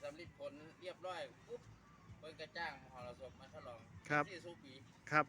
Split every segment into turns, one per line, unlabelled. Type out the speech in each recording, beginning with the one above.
ำลิดผลเรียบร้อยปุ๊บเพิ่นก็จ้างมหรสพมาฉลอง
ครับ
ที่สุปี
ครับ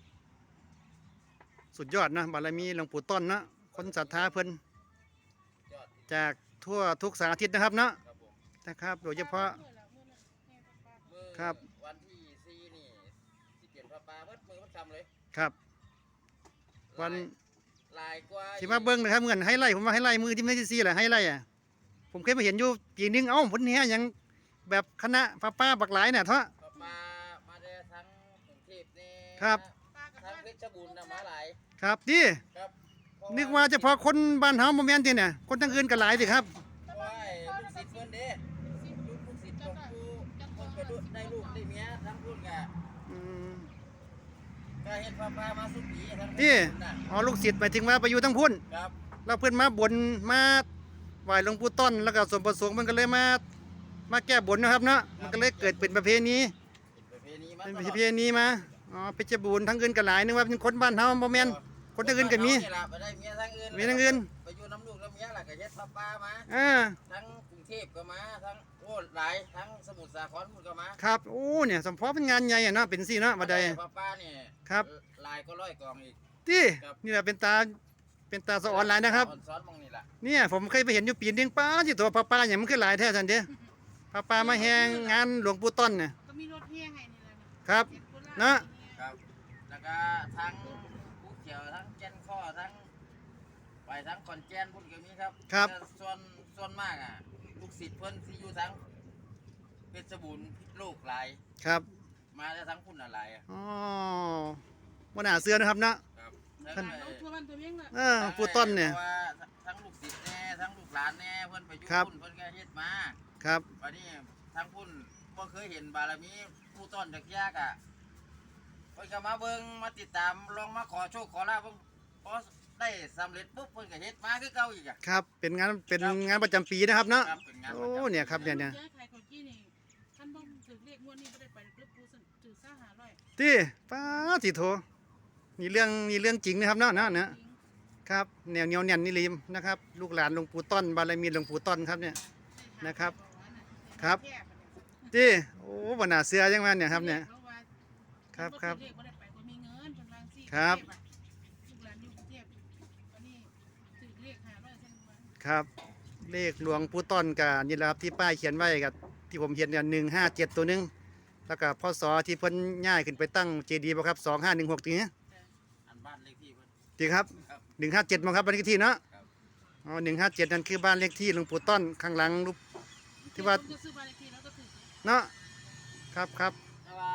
สุดยอดนะบารมีหลวงปู่ต้นนะคนศรัทธาเพิ่น
ยอด
จากทั่วทุกสารทิศนะครับเนาะ
ครับผม
นะครับโดยเฉพาะ
มือ
ครับ
วันที่4นี่ที่เปลี่ยนพระปาเบิดมือมันทำเลย
ครับวัน
ลายกว่า
ที่มาเบิ้งนะครับเหมือนไฮไลท์ผมว่าไฮไลท์มือที่ไม่ได้ซีแหละไฮไลท์อ่ะผมเคยไปเห็นอยู่ปีนึงเอ้าผลเนี้ยยังแบบคณะป้าบักหลายเนี่ยเถอะ
พระปามาได้ทั้งกรุงเทพนี่
ครับ
ทั้งเพชรบูรณ์นะมาหลาย
ครับดิ
ครับ
นึกว่าเฉพาะคนบ้านเฮาโมเมนต์ที่เนี่ยคนทั้งอื่นก็หลายสิครับ
เพราะว่าลูกศิษย์เพิ่นเด้ลูกศิษย์หลวงปู่เพิ่นก็ได้ลูกได้เมียทั้งพุ่นก็
อืม
ก็เฮ็ดพระปามาสุดปีทั้ง
ดิ
น่ะ
อ๋อลูกศิษย์หมายถึงว่าไปอยู่ทั้งพุ่น
ครับ
เราเพื่อนมาบนมาไหว้หลวงปู่ต้นแล้วก็ส่วนประสงค์มันก็เลยมาแก้บนนะครับเนาะมันก็เลยเกิดเป็นประเพณี
เป็นประเพณีมา
เป็น
ต
ป
ลอด
ระเพณีมาอ๋อเพชรบูรณ์ทั้งอื่นก็หลายนึกว่าเป็นคนบ้านเฮาโมเมนต์คนทั้งอื่นก็มี
นี่ล่ะไปได้เมียทั้งอื่น
มีทั้งอื่น
ไปอยู่น้ำลูกน้ำเมียล่ะก็เฮ็ดพระปามา
อ่า
ทั้งกรุงเทพก็มาทั้งโอ้หลายทั้งสมุทรสาครพุ่นก็มา
ครับโอ้เนี่ยสมพอเป็นงานใหญ่อะเนาะเป็นสิเนาะบัดใด
พระปานี่
ครับ
หลายก็ร้อยกองอีก
ที่
ครับ
นี่แหละเป็นตาสะออนหลายนะครับ
สอนมองนี่ล่ะ
เนี่ยผมเคยไปเห็นอยู่ปีนึงป้าที่ตัวป้าอย่างมันคือหลายแท้ทันเด้ป้ามาแฮงงานหลวงปู่ต้นเนี่ย
ก็มีรถแห่ให้นี่แหละนะครับ
เนาะ
ครับแล้วก็ทั้งภูเขียวทั้งแก่นข้อทั้งไปทั้งขอนแก่นพุ่นก็มีครับ
ครับ
แต่ส่วนมากอ่ะลูกศิษย์เพิ่นที่อยู่ทั้งเพชรบูรณ์พิษโลกหลาย
ครับ
มาได้ทั้งพุ่นอะไรอ่ะ
อ๋อวันหนาเสือนะครับเนาะ
ครับ
ท่าน
เอาทั่วบ้านตัวเมียงละ
ปู่ต้นเนี่ย
พราะว่าทั้งลูกศิษย์แน่ทั้งลูกหลานแน่เพิ่นไปอยู่
ครับ
พุ่นเพิ่นก็เฮ็ดมา
ครับ
วันนี้ทั้งพุ่นบ่เคยเห็นบารมีผู้ต้นจักยากอ่ะเพิ่นก็มาเบิ่งมาติดตามลองมาขอโชคขอลาบเบิ่งพอได้สำเร็จปุ๊บเพิ่นก็เฮ็ดมาคือเก่าอีกอ่ะ
ครับเป็นงานประจำปีนะครับเนาะ
ครับเป็นงาน
โอ้เนี่ยครับเนี่ย
ย้ายขายข้าวจี้นี่ท่านบ่ถึงเลขงวดนี้บ่ได้ไปกรุ๊ปผู้ถือซ่า500
ที่ป้าสิโทนี่เรื่องจริงนะครับเนาะเนี่ยครับแนวเหนียวแน่นนี่ลิมนะครับ ลูกหลานหลวงปู่ต้นบารมีหลวงปู่ต้นครับเนี่ย นะครับ ครับ ที่โอ้วันหนาเสือยังมาเนี่ยครับเนี่ย ครับครับ
เลขบ่ได้ไปบ่มีเงินเพิ่นวางซี่
ครับ
ลูกหลานอยู่กรุงเทพวันนี้ถือเลข500เส้นว่า
ครับเลขหลวงปู่ต้นกับนี่แหละครับที่ป้ายเขียนไว้กับที่ผมเขียนเนี่ย157ตัวหนึงแล้วก็พศที่เพิ่นย้ายขึ้นไปตั้งเจดีย์บ่ครับ2516ทีนี้
อันบ้านเลขที่เพิ่น
จริงครับ
ครับ
157มั้งครับบ้านเลขที่เนาะ
ครับ
อ๋อ157นั่นคือบ้านเลขที่หลวงปู่ต้นข้างหลังรูป ที่ว่า
ผมจะซื้อบ้านเลขที่แล้วก็ถือ
เนาะครับครับ
แต่ว่า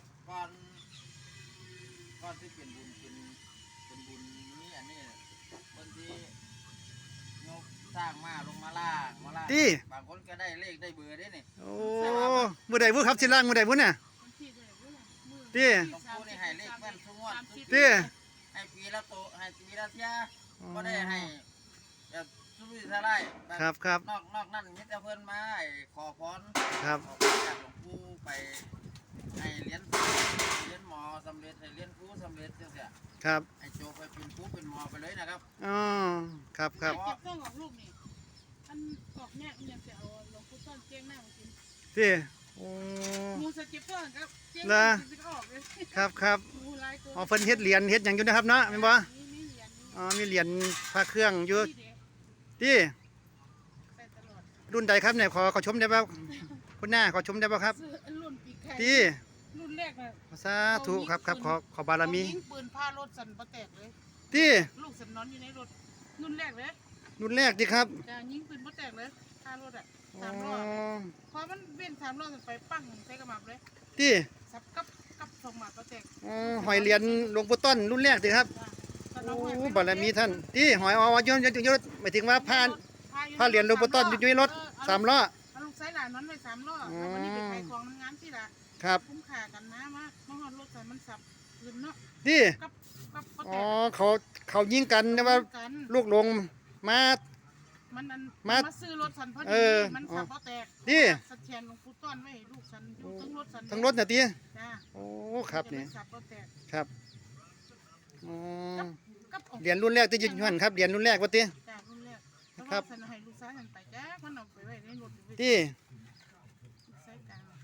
ก่อนที่เป็นบุญเป็นบุญนี่อันนี้คนที่ยกสร้างมาลงมาล่างบางคนก็ได้เลขได้เบอร์ได้นี่
โอ้มื้อใดบ่ครับสิล่างมื้อใดบ่เนี่ย
วันที่เท่าไหร่บ่ล่ะมื้อ
ที่
หลวงปู่นี่ให้เลขแม่นทุกงวดทุก
30
ปี
ที่
ให้ปีละโตให้ปีละเที่ยก็ได้ให้แบบสุรุ่ยสลายแบบ
ครับ
นอกนั่นมิตรเพิ่นมาให้ขอพร
ครับ
ขอพรจากหลวงปู่ไปให้เรียนหมอสำเร็จให้เรียนครูสำเร็จจังซี่
ครับ
ให้โจไปเป็นครูเป็นหมอไปเลยนะครับ
อ๋อครับครับ
เก็บเครื่องออกลูกนี่อันออกแม่มันยังจะเอาหลวงปู่ต้นเจียงหน้ามากิน
ที่โอ้
หมูสเก็บเครื่องครับเจียง
เหรอ
กินก็ออกเลย
ครับ
หมูหลายตัว
อ๋อเพิ่นเฮ็ดเหรียญเฮ็ดหยังอยู่นะครับเนาะแม่นบ่
มีเหรียญ
อ๋อมีเหรียญพระเครื่องอยู่
มีเด็ก
ที่
ใส่ตลอด
รุ่นใดครับเนี่ยขอชมได้บ่คุณหน้าขอชมได้บ่ครับ
ซื้อรุ่นปีกไข่
ที่
รุ่นแรกน่ะ
สาธุครับขอบารมี
เอยิงปืนผ้ารถสั่นบ่แตกเลย
ที่
ลูกสั่นนอนอยู่ในรถรุ่นแรกเลย
รุ่นแรกที่ครับ
จะยิงปืนบ่แตกเลยผ้ารถอ่ะ
อ๋อ
3 รอบพอมันเว้น3 รอบไปปั้งใส่กระหมับเลย
ที่
สับกับสองหมัดบ่แตก
อ๋อหอยเหรียญหลวงปู่ต้นรุ่นแรกที่ครับ
จ้ะ
โอ้บารมีท่านที่หอยยศหมายถึงว่าผ้าเหรียญหลวงปู่ต้นอยู่ในรถ3ล้อ
เอาลูกไส้หลานนั้นไว้3 รอบ
อ๋อ
แล้ววันนี้ไปขายของน้ำงานที่ละ
ครับ
คุ้มค่ากันนะมาฮอดรถสั่นมันสับลืมเนาะ
ที่
กับบ่
อ๋
แต
อกเขายิงกันแต่ว่า
กัน
ลูกหลงมา
มันนั่น
มา
มาซื้อรถสันพอ
เอ
ดี
อ
มันสับบ่แตก
นี่
สะเทียนหลวงปู่ต้อนไว้ให้ลูกสันอยู่ทั้งรถสัน
ทั้งรถน่ะติ
จ้า
โอ้ครับนี่
สับบ่แตก
ครับอ๋อ
กับออก
เหรียญรุ่นแรกที่อยืนหันครับเหรียญรุ่นแรกว่าติ
จ้ารุ่นแรกแต่
ครั
ว่า
บ
สันให้ลูกสาวสันไปจ้ามันเอาไปไว้ในรถอยู่
ที่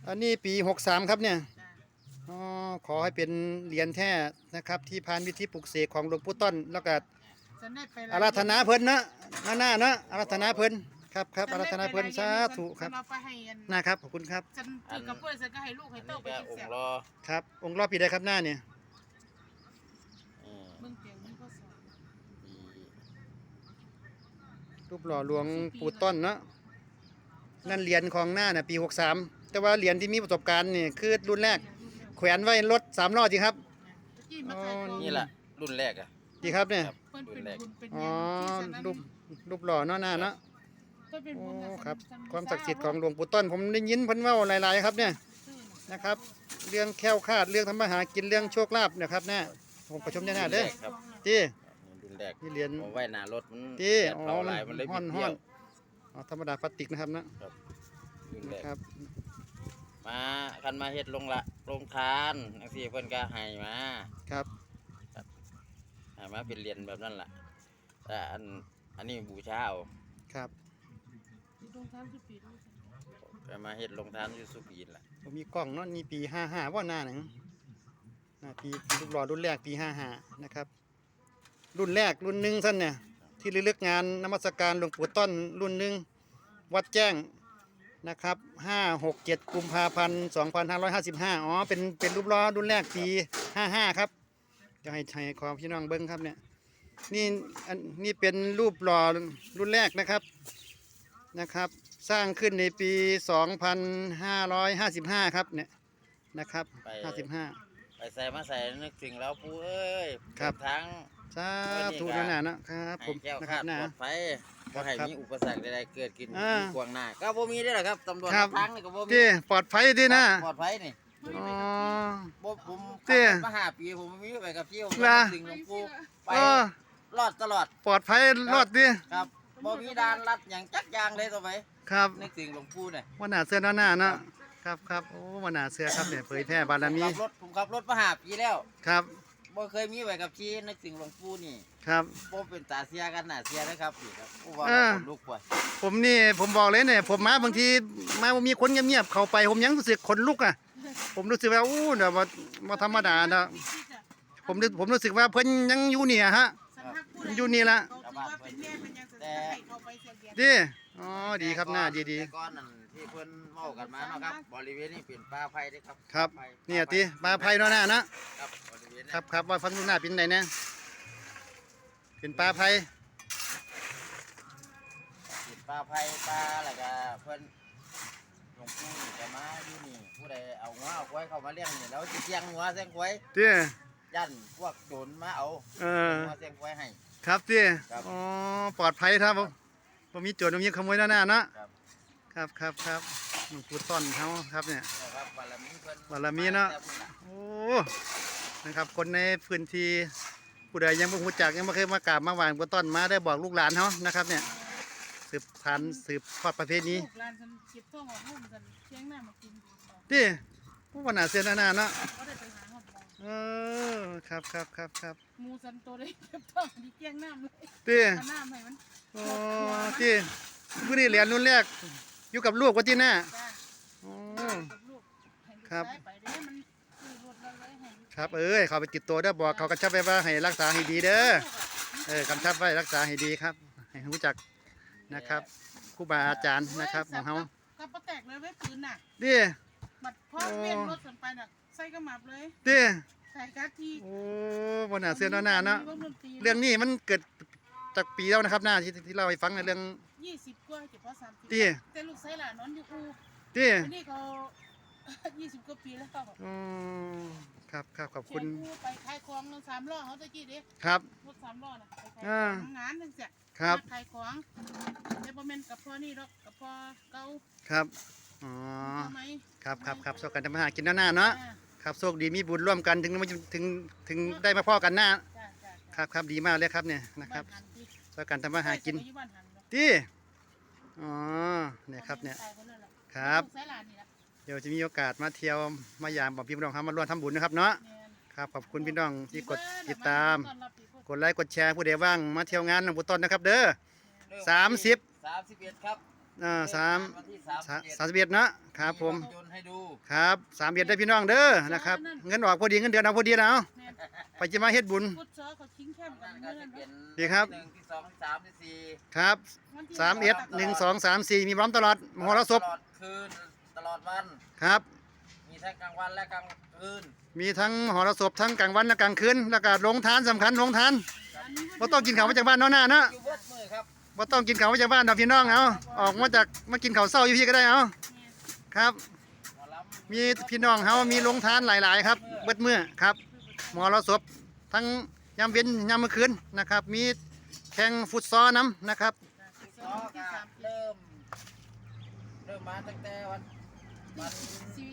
อันนี้ปี63ครับเนี่ย
จ้ะ
อ๋อขอให้เป็นเหรียญแท้นะครับที่ผ่านวิธีปลุกเสกของหลวงปู่ต้นแล้วก็
ฉันได้ไป
อาราธนาเพิ่นนะหน้านะอาราธนาเพิ่นครับครับอาราธนาเพิ่นสาธุครับ
ฉันเอาไปให้อัน
นะครับขอบคุณครับ
ฉันถือกับเพื่อนฉันก็ให้ลูกให้
อัน
เต้า
นี้
ไป
ก็
กิน
อง
เสีย
ค์รอ
ครับองค์รอบปีใดครับหน้าเนี่ย
อืม
เบิ่งเตียงมันก็สอน
ปี
รูปหล่อหลวงปู่ต้นเนาะนั่นเหรียญของหน้าน่ะปี63แต่ว่าเหรียญที่มีประสบการณ์นี่คือรุ่นแรกแขวนไว้รถ3ล้อจริงครับ
ตะกี้มาขายของ
นี่แหละรุ่นแรกอะ
ดีครับเนี่ย
เพิ่นเป็นบุญเป็น
อ๋
ห
อ
ยังที่ฉันนั้น
รูปหล่อเนาะหน้าเนาะ
เพิ่นเป็น
โอ้
บุญน่ะ
ครับ
ฉัน
ความศักดิ์สิทธิ์ของหลวงปู่ต้นผมได้ยินเพิ่นเว้าหลายๆครับเนี่ย
ซื้อ
นะครับ เรื่องแคล้วคลาดเรื่องทำมาหากินเรื่องโชคลาภนะครับเนี่ยผมประชมแน่ๆเด้อ
ครับ
ที่
รุ่นแรก
นี่เหรียญ
ผมไว้หน้ารถมัน
ที่
แดดเผาหลายมันเลย
ฮ้
บิ
อน
ด
ฮ้
เบี้
อย น
ว
อ๋อธรรมดาพลาสติกนะครับนะ
รุ่น
นะ
แรก
ครับ
มาคันมาเฮ็ดลงทานจังซี่เพิ่นก็ให้มา
ครับ
ให้มาเป็นเหรียญแบบนั้นล่ะแต่อันนี้บูชาเอา
ครับ
ที่ตรงทางสุปีด
ไปมาเฮ็ดลงทานอยู่สุปีนล่ะ
ผมมีกล้องเนาะนี่ปี55ว่าหน้าหนังปีรูปหล่อรุ่นแรกปี55นะครับ รุ่นแรกรุ่นหนึ่งสั้นเนี่ยที่ระลึกงานนมัสการหลวงปู่ต้นรุ่นหนึ่งวัดแจ้งนะครับ5-6-7 กุมภาพันธ์2555อ๋อเป็นรูปหล่อรุ่นแรกปี55ครับจะให้ความพี่น้องเบิ้งครับเนี่ยนี่เป็นรูปหล่อรุ่นแรกนะครับ สร้างขึ้นในปี 2555ครับเนี่ยนะครับ55
ไปใส่มาใส่นึกถึงแล้วปู่เอ้ย
ครับ
ทาง
สาธุนั่นน่ะนะครับผ
ให้
ม
แก้ว
นะค
คา
รับ
ด
นะ
ปลอดภัย
ครั
บ่
บ
ให้
ครับ
มีอุปสรรคใดๆเกิดขึ้น
อ่า
มีขวางหน้าก็บ่มีได้หรอกครับตำรวจ
ครับ
ทางนี่ก็บ่มี
ที่ปลอดภัยดีนะ
ปลอดภัยนี่
อ๋อ
บ่ผม
เจ้
ขับรถมา5 ปีผมบ่มีไปกับที่ผม
ล่ะ
ถึงหลวงปู่ไป
เออ
รอดตลอด
ปลอดภัยรอดดิ
ครับบ่มีด่านลัดหยังจักอย่างเลยต่อไป
ครับ
นึกถึงหลวงปู่เนี่ย
วันหนาเสื้อหน้าเนาะครับโอ้วันหนาเสื้อครับเนี่ยเผยแพร่บารมี
ผมขับรถมา5 ปีแล้ว
ครับ
บ่เคยมีไว้กับที่นึกถึงหลวงปู่นี่
ครับ
บ่เป็นตาเสียกันหน้าเสียนะครับนี่ครับผู้ว่า
เออ
คนลุกป่วย
ผมบอกเลยเนี่ยผมมาบางทีมามีคนเงียบๆเข้าไปผมยังรู้สึกขนลุกอ่ะผมรู้สึกว่าอู้เดี๋ยวมาธรรมดาเนาะผมรู้สึกว่าเพิ่นยังอยู่เนี่ยฮะ อยู่นี่ละ
เขาถือว่าเป็นแม่เป็นยังจะให้เขาไปเสียเดีย
ดิอ๋อดีครับหน้าดี
แต่ก่อนนั่นที่เพิ่นเมากันมาเนาะครับบริเวณนี้เป็นป่าไผ่เด้ครับ
ครับ
ป่าไผ่
เนี่ยติมาภัยเนาะหน้านะ
ครับบริเวณนี้
ครับว่าฟังดูหน้าเป็นไงเนี่ยเป็นปลาภัย
เป็นป่าไผ่ป่าแล้วก็เพิ่นหลวงปู่นี่จะมาอยู่นี่ผู้ใดเอางัวเอาควายเข้ามาเลี้ยงนี่แล้วสิเสียงงัวเสียงควาย
ดิ
ยันพวกโจรมาเอา
เออ
งัวเสียงควายให้
ครับดิ
ครับ
อ๋อปลอดภัยครับผมมีโจรมีขโมยหน้าเนาะ
ครับ
ครับหลวงปู่ต้นเขาครับเนี่ย
นะครับบารมีเพิ่น
บารมีเนาะ
แต่พุ่ล่
โอ้ นะครับ คนในพื้นที่ผู้ใดยังไม่รู้จักยังไม่เคยมากราบมาไหว้หลวงปู่ต้นมาได้บอกลูกหลานเขานะครับเนี่ย สืบพันธุ์สืบทอดประเพณี
ลูกหลานฉันเก็บท้องออกห้องฉันเชียงหน้ามากิน
ดิผู้วันหนาเสียหน้าเนาะ
ก็ได้ไปหาหอมมอง
เออครับ
หมูสันโตได้เก็บท้องที่เชียงหน้าเลย
ดิ
เอาน้ำให้มัน
โอ้ดิผู้นี้เหรียญรุ่นแรกอยู่กับลูกว่าที่หน้า
จ้า
โอ้
กับลูกให้ลูก
ครับ
ชายไปเด้มันคือรถเราเลยให้ลูก
ครับเขาไปติดตัวเด้อบอกเขากระชับไว้ว่าให้รักษาให้ดีเด้อ กำชับไว้รักษาให้ดีครับ ให้รู้จักนะครับครูบาอาจารย์นะครับของเขา
กับปะแตกเลยไว้ปืนน่ะ
ดิ
บัดพ่อเวียนรถสันไปน่ะใส่กระหมับเลย
ดิ
ใส่กะทิ
โอ้วันหนาเสื้อหน้าเนาะ
มีวงดนตรี
เรื่องนี้มันเกิดจากปีแล้วนะครับหน้าที่เล่าให้ฟังในเรื่อง
20กว่าเจ็บพอ30
ดิ
แต่ลูกชายหลานนอนอยู่อู
ดิ
อันนี้เขา 20กว่าปีแล้ว
อืมครับขอบ
เชี
คุ
ย
ณ
งอูไปขายของแล้ว3ล้อเขาตะกี้เด้
ครับ
รถ3ล้อน่ะไปขาย
อ่า
ของงานจังซี่
ครับ
ขายของแต่บ่แม่นกับพ่อนี่ดอกกับพ่อเก่า
ครับอ๋อ
พ่อไหม
ครับโชคกันทำมาหากินหน้าเนาะ
จ้า
ครับโชคดีมีบุญร่วมกันถึงได้มาพ่อกันหน้า
จ้า
ครับดีมากเลยครับเนี่ยนะครับ
านหันติ
โชคกันทำมาหากิน
ไปอยู่บ้านหันเนาะ
ดิอ๋อเนี่ยครับเนี่ย
ตายคนนั้นล่ะ
ครับ
ลูกชายหลานนี่ล่ะ
เดี๋ยวจะมีโอกาสมาเที่ยวมายามบอกพี่น้องครับมาร่วมทำบุญนะครับเนาะ
แม่น
ครับขอบคุณพี่น้องที่กดติดตาม
ต้อนรับปีพุทธ
กดไลค์กดแชร์ผู้ใดว่างมาเที่ยวงานหลวงปู่ต้นนะครับ เด้อ
เริ่ม
30
31ครับวันที่
31นะครับผม
ภาพยนตร์ให้ดู
ครับ31ได้พี่น้องเด้อนะครับเงินออกพอดีเงินเดือนเอาพอดีแล้ว
แม่น
ไปจะมาเฮ็ดบุญ
พุทธเสือเขาชิงแคมป์กั
นั่
น
นก็
เมื่อ
จะ
นั้น
เป็น
ดีครับ
ที่1ที่2ที่3ที่4
ครับ
วันที่
31 1 2 3 4มีพร้อมตลอดมหรสพ
ตลอดคืนตลอดวัน
ครับ
มีทั้งกลางวันและกลางคืน
มีทั้งมหรสพทั้งกลางวันและกลางคืนแล้วก็โรงทานสำคัญโรงทานบ่ต้องกินข้าวมาจากบ้านเนาะหน้าเนาะ
อยู่เบิดมือครับ
บ่ต้องกินข้าวมาจากบ้านดอกพี่น้องเอาออกมาจากมากินข้าวเช้าอยู่พี่ก็ได้เอาครับ
หมอลำ
มีพี่น้องเฮามีโรงทานหลาย ๆ ครับเบิดมื้อครับมหรสพทั้งยามเย็นยามมื้อคืนนะครับ มีแข่งฟุตซอลน้ำนะครับ
ก็เริ่มมาตั้งแต่วันที่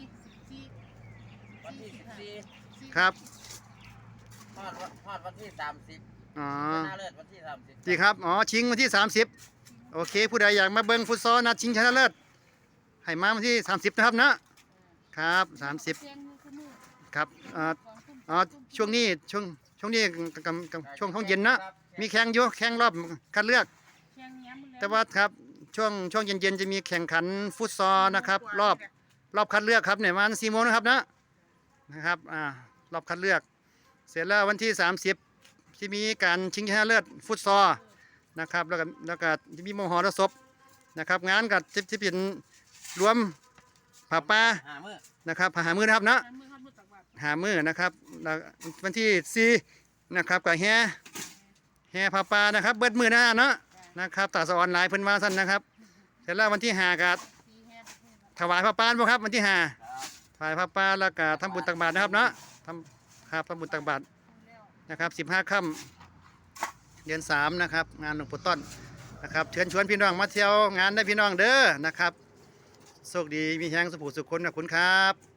14
ครับ
ฮอดวันที่30
อ๋อ
ชนะเลิศวันที่30
ดีครับอ๋อชิงวันที่ 30โอเคผู้ใดอยากมาเบิ่งฟุตซอลนัดชิงชนะเลิศให้มาวันที่30นะครับนะครับ30ครับช่วงนี้ช่วงนี้ช่วงห้องเย็นนะมีแข่งอยู่แข่งรอบคัดเลือก แต่ว่าครับช่วงเย็นๆจะมีแข่งขันฟุตซอลนะครับรอบคัดเลือกครับเนี่ยประมาณ4 โมงนะครับนะครับรอบคัดเลือก เสร็จแล้ววันที่30ที่มีการชิงชนะเลิศฟุตซอลนะครับแล้วก็จะมีมหรสพนะครับงานกับที่เป็นรวมผ้าป่า
5 มื้อ
นะครับผ้าหามือนะครับนะหามือนะครับแล้ววันที่4นะครับกับแห่ผ้าป่านะครับเบิดมือนะครับตาสะออนไลน์เพิ่นว่าซั่นนะครับเสร็จแล้ววันที่5ก็ถวายผ้าป่าบ่ครับวันที่5
ครับ
ถวายผ้าป่าแล้วก็ทำบุญตักบาตรนะครับทำบุญตักบาตรนะครับ15 ค่ำเดือน3นะครับงานหลวงปู่ต้นนะครับเชิญชวนพี่น้องมาเที่ยวงานได้พี่น้องเด้อนะครับโชคดีมีแฮงสุขสุขคนขอบคุณครับ